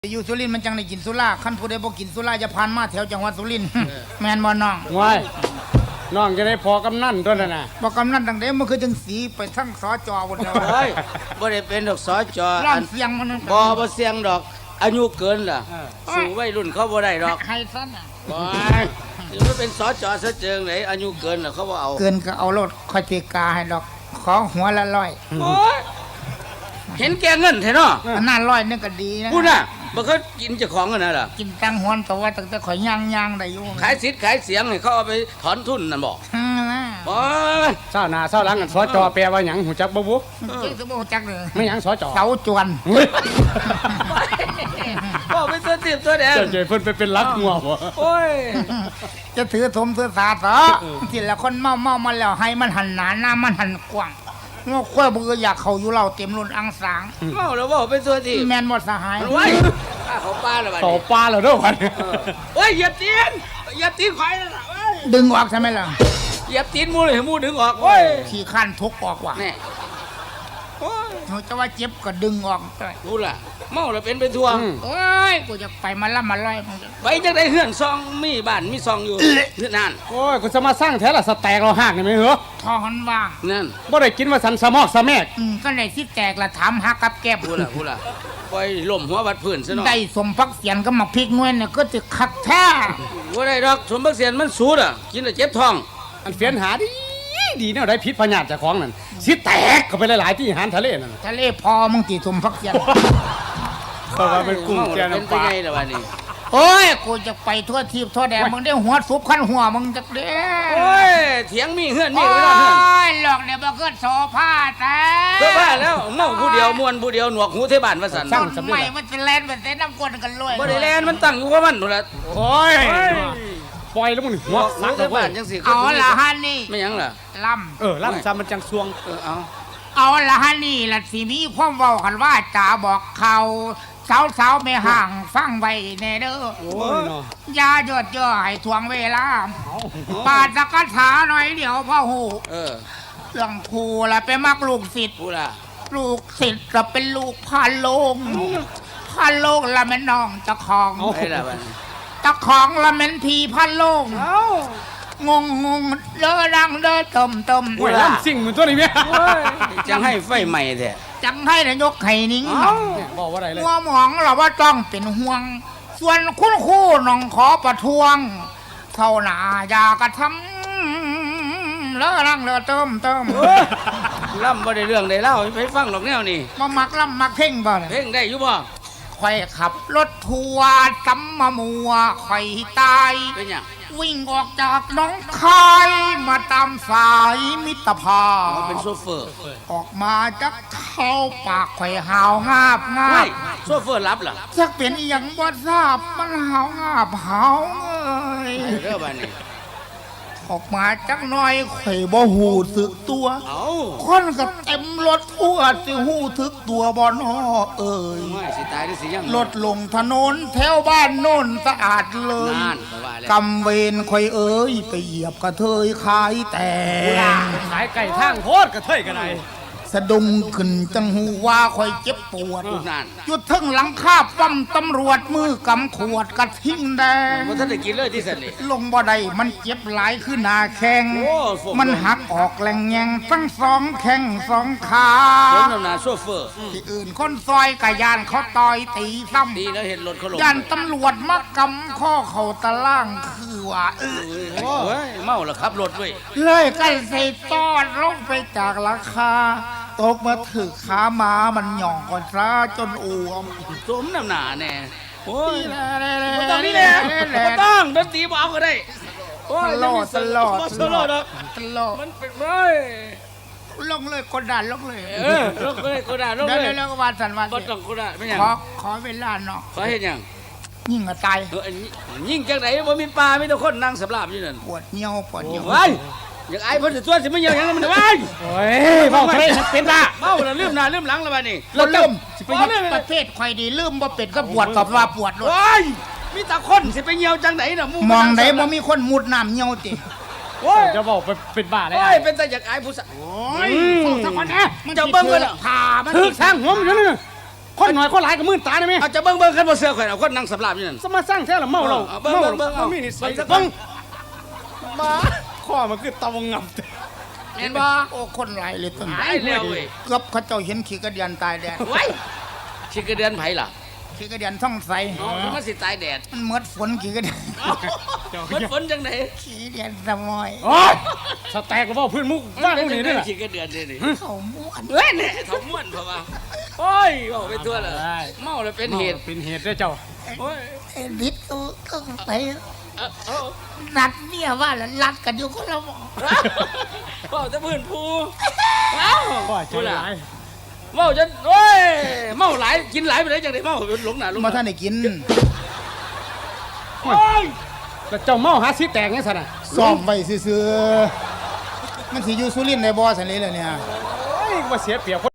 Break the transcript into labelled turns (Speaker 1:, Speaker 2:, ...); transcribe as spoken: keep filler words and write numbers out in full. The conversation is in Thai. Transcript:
Speaker 1: อยู่สุรินทร์มันจังได้กินสุราขั้นผู้ใดบ่กินสุราจะผ่านมาแถวจังหวัดสุรินทร์ แม่นบ่น้อง
Speaker 2: ว้ายน้องจะได้พอกำนันตัวนั้นน่ะ
Speaker 1: บ่กำนันตั้งแต่มันคือจังสีไปทั้งสจหมดแล้ว
Speaker 3: เฮ้ยบ่ได้เป็นดอกสจ
Speaker 1: ร้องเสียงมัน
Speaker 3: บ่บ่เสียงดอกอายุเกินล่ะสู่วัยรุ่นเขาบ่ได้ดอก
Speaker 1: ให้ซั่นน่ะ
Speaker 3: บ่สิมาเป็นสจซะเจิงไหนอายุเกินล่ะเขาบ่เอา
Speaker 1: เกินก็เอารถค่อยตีกาให้ดอกขอหัวละร้อย
Speaker 3: โอ้ยเห็นแก่เงินแท้เนาะ
Speaker 1: อันนั้นร้อยนึงก็ดีนะ
Speaker 3: พูดน่ะบ่เคยกินเจ้าของกันน่ะล่ะ
Speaker 1: กินตังหวนตัวตั้งแต่ข่อยย่างๆได้อยู่
Speaker 3: ขายสิทธิ์ขายเสียงให้เขาเอาไปถอนทุนนั่นบ่
Speaker 1: บ่
Speaker 2: เศร้าหน้าเศร้าหลังกันสจแปลว่าหยังหูจักบ่บุ
Speaker 1: เจ๊สิบ่จักเลย
Speaker 2: ไม่หยังสจ
Speaker 1: เสาจวน
Speaker 3: บ่เป็นตัวติบตัวแดง
Speaker 2: เจ้าเพิ่นไปเป็นลักงัวบ่
Speaker 3: โอ้ย
Speaker 1: จะถือสมถือสาซะทีละคนเมาๆมาแล้วให้มันหันหน้าหน้ามันหันกว้างงอค่อยบ่อยากเข้าอยู่เราเต็มล้นอังสาง
Speaker 3: เมาแล้วบ่เป็นตัวติ
Speaker 1: แม่นบ่สหาย
Speaker 3: โอ้ยเขาป้าแล้วบัดนี้
Speaker 2: เขาป้าแล้วเด้อบัดนี้
Speaker 3: โอ้ยเหยียบตีนเหยียบตีนข่อยน่ะเอ้ย
Speaker 1: ดึงออกใช่มั้ยล่ะ
Speaker 3: เหยียบตีนหมู่เลยหมู่ดึงออกโอ้ย
Speaker 1: ขี้คันทุกออกว่ะ
Speaker 3: แน่โอ้ย
Speaker 1: เขาจะว่าเจ็บก็ดึงออก
Speaker 3: รู้ล่ะเมาแล้วเป็นไปทั่ว
Speaker 1: โอ้ยกูจะไปมาละมาลอย
Speaker 3: ไปจังได๋เฮือนซองมีบ้านมีซองอยู่นั่น
Speaker 2: โอ้ยกูจะมาสร้างแท้ละสแตกเราหากนี่มั้ยเหรอ
Speaker 1: ท้องมันว่าง
Speaker 3: นั่น
Speaker 2: บ่ได้กินว่าสันสะมอกสะแมก
Speaker 1: อืมก็ได้สิแตกละถามหากับแก้
Speaker 3: พูดล่ะพูดล่ะปล่อยล้มหัววัดพื้นซะเนาะ
Speaker 1: ได้สมพักเสียนก็มาพริกน้วยเนี่ยก็จะคักแท้
Speaker 3: บ่ได้ดอกสมบักเสียนมันสูดอ่ะกินแล้วเจ็บท้อง
Speaker 2: อันเฟียนหาดีดีแนวได้พิษพญาติเจ้าของนั่นสิแตกเข้าไปหลายๆที่อาหารทะเลนั่น
Speaker 1: ทะเลพอมึงติสมพักเสียน
Speaker 2: เพราะว่าเป็นกุ้งแก่น้ำปลา
Speaker 3: เป็นไงล่ะบัดนี้
Speaker 1: โอ้ยกูจะไปทั่วทิพย์ทั่วแดนมึงได้หัวซุปขั้นหัวมึงจักเด้
Speaker 3: โอ้ยเถียงมีเฮือนมีไว้นอนเฮือน
Speaker 1: โอ้ยหลอกเดี๋ยวบ่เกิดโซฟาแต่
Speaker 3: เพื่อว่าแล้วเมาผู้เดียวม่วนผู้เดียวหนวกหูเทบ้านว่าซั่น
Speaker 1: สั่งใหม่มันจะแล่นมันจะน้ำกวนกันเลย
Speaker 3: บ่ได้แล่นมันตั้งอยู่กับมันนู่นล่ะ
Speaker 2: โอ้ยปล่อยแล้วมึงหัว
Speaker 3: หลังบ้านจังซี่
Speaker 1: เอาละฮะนี่
Speaker 3: ไม่หยังล่ะ
Speaker 1: ล่ำ
Speaker 2: เออล่ำซะมันจังซวง
Speaker 3: เออเอา
Speaker 1: เอาละฮะนี่ล่ะสิมีความเว้ากันว่าจ๋าบอกเขาสาวๆไม่ห่างฟังไว้แน่เด้อโอ้ยอย่าหยดย่อให้ทวงเวลาปาดสักถาหน่อยเดี๋ยวพ่อหู
Speaker 3: เออ
Speaker 1: เรื่องครูล่ะไปมักลูกศิษย์
Speaker 3: ผู้ล่ะ
Speaker 1: ลูกศิษย์ก็เป็นลูกพาโลงพาโลงละแม่น้องเจ้าของ
Speaker 3: ไอ้ล่ะบัดนี้
Speaker 1: เจ้าของละแม่นพี่พาโลงงงงงเด้อดังเด้อต้มต้ม
Speaker 2: โอ้ยล่ำสิ่งเหมือนตัวนี้แม่
Speaker 3: จังให้ไฟใหม่แท้
Speaker 1: จังให้นายกไข่นิ้ง
Speaker 2: บอกว่าอะไรเลย
Speaker 1: หัวหมองเราว่าต้องเป็นห่วงส่วนคุณครูน้องขอประท้วงเท่าหนาอยากระทำเลอะรังเลอะเติมเติม
Speaker 3: ล่ำบ่ได้เรื่องได้เล่าไปฟังหรอกแนวนี่
Speaker 1: มามักล่ำมักเพ่งบ่
Speaker 3: เพ่งได้อยู่บ่
Speaker 1: ข่อยขับรถทัวร์ซ้ำมามัวข่อยตาย
Speaker 3: เป็นหยัง
Speaker 1: วิ่งออกจากน้องคายมาตามสายมิตรภาพ
Speaker 3: เป็นโซเฟอร์
Speaker 1: ออกมาจากเข้าปากข่อยหาวงาบงาบ
Speaker 3: โซเฟอร์รับล่ะ
Speaker 1: จักเป็นอีหยังบ่ทราบมันหาวงาบหาวเอ้ย
Speaker 3: เด้อบัดนี้
Speaker 1: ออกมาจักหน่อยข่อยบ่ฮู้สึกตัว
Speaker 3: เอ้า
Speaker 1: คนก็เต็มรถทั่วสิฮู้สึกตัวบ่น้อเอ้ย
Speaker 3: ไม่สิตายได้สิยัง
Speaker 1: รถลงถนนแถวบ้านโน่นสะอาดเลยกำเวรข่อยเอ้ยไปเหยียบกระเทยขายแต่
Speaker 2: ขายไก่ทางโคตรกระเทยกันได
Speaker 1: สะดุ้งขึ้นจังหูว่าข่อยเจ็บปวดยุดทึ่งหลังคาป้อมตำรวจมือกำขวดกระทิ้งแดง
Speaker 3: บ่ทันได้กินเลยที่สันนี่
Speaker 1: ลงบ่ได้มันเจ็บหลายขึ้นหน้าแข้งมันหักออกแหลงแยงทั้งสองแข้งสองขา
Speaker 3: คนนำหน้าโซเฟอร์
Speaker 1: ที่อื่นคนซอยกะยานเขาต่อยตีซ้ำ
Speaker 3: ดีแล้วเห็นรถเขาลง
Speaker 1: ยานตำรวจมากำข้อเข่าตะล่างคือว่าเออ
Speaker 3: เฮ้ยเมาแล้วขับรถเว้ย
Speaker 1: เลยกันใส่ตอดลงไปจากราคาตกมาถือขามามันหย่องก่อนซะจนอ้วม
Speaker 3: สมน้ำหนาแน่โอ้ยไม่ต้องนี่แหละไม่ต้องดนตรีบอกก็ได้
Speaker 1: ตลอดตลอด
Speaker 3: ตลอด
Speaker 1: ตลอด
Speaker 3: มันเป็นไร
Speaker 1: ลงเลยกดดันลงเลย
Speaker 3: เออลงเลยกดดันลงเลย
Speaker 1: แล้วก็วานสันวาน
Speaker 3: บ่ต้องกดดันไม่ยัง
Speaker 1: ขอขอเวลาเนาะ
Speaker 3: ขอเห็นยัง
Speaker 1: ยิ่งกระตาย
Speaker 3: เออยิ่งจังไหนบ่มีปลามีแต่คนนั่งสำราบอยู่นั่น
Speaker 1: ปวดเหี่ยวปวดเหี่ยว
Speaker 3: อย่างไอ้เพิ่นตัวสิไม่เหี่ยวอย่างนั้นมันไว้
Speaker 2: โอ้ยเมาไม่เป็นละ
Speaker 3: เมาแล้วลืมหน้าลืมหลังแล้วบัดนี้
Speaker 1: เราลืมสิไปประเภทข่อยดีลืมบ่เป็นก็ปวดกับว่าปวดเลย
Speaker 3: โอ้ยมีแต่คนสิไปเหี่ยวจังไหนน่ะ
Speaker 1: มองไหนบ่มีคนมุดน้ำเหี่ยวติ
Speaker 2: โอ้ยจะบอกเป็นบ้าเลย
Speaker 3: โอ้ยเป็นแต่อยากไอ้ผู้สาว
Speaker 1: โอ้ยสักคนนะมันจะเบิ่งกันผ่ามัน
Speaker 2: ถึกสร้างหัวมันอยู่นั่นคนหน่อยคนหลายก็มื่นตาได้ไหม
Speaker 3: เอาจะเบิ่งเบิ่งกันบ่เสือข่อยเอาคนนั่งสำราบอยู่นั่น
Speaker 2: สมาสร้างแท้ละเมาเรา
Speaker 3: เอาเบิ่ง
Speaker 2: เมา
Speaker 3: เบิ่งเบิ่งเอา
Speaker 2: มีนิสัย
Speaker 3: เบิ่งสัก
Speaker 2: เบิ่งมาข้อมันคือตะวงงับ
Speaker 3: เห็นบ่
Speaker 1: โอ้คนหลายเลยต้น
Speaker 3: หายแล้วเว้ย
Speaker 1: เกือบเขาเจ้าเห็นขี้กระเดียนตายแดด
Speaker 3: ไว้ชิกระเดือนไผล่ะ
Speaker 1: ขี้กระเดียนท่องใส
Speaker 3: อ๋อมันสิตายแดด
Speaker 1: มันเมือดฝนขี้กระเดียน
Speaker 3: มันฝนจังได๋
Speaker 1: ขี้กระเดียนสมอย
Speaker 2: โอ้ยสแต็กก็บ่พื้นมุกว่างพวกนี้นี่แหละ
Speaker 3: ชิกระเดือนนี่นี่
Speaker 1: เขาม้วน
Speaker 3: เฮ้ยเนี่ยเขาม่วนเพราะว่าโอ้ยเว้าไปทั่วเลยเมาแล้วเป็นเหตุ
Speaker 2: เป็นเหตุด้วยเจ้า
Speaker 3: โอ้ย
Speaker 1: ไอ้ดิดก็ก็ไป
Speaker 3: เอ้าเอ้า
Speaker 1: นัดเมียว่าแล้วรัดกันอยู่คนละหมอ
Speaker 3: เว้าแต่พื้นผู้เอ้า
Speaker 2: ก็ใจ
Speaker 3: พูดล่ะ
Speaker 2: ร้าย
Speaker 3: เมาจนโอ้ยเมาหลายกินหลายไปได้จังได๋เมาหลงหน้าหลง
Speaker 1: มาท่านได้กิน
Speaker 3: โอ้ย
Speaker 2: แล้วเจ้าเมาหาสิแตกไงสันน่ะ
Speaker 1: ซ่อมไว้ซื่อๆมันสิอยู่สุรินทร์ในบ่อสันเลยล่ะเนี่ย
Speaker 2: โอ้ยว่าเสียเปรียบ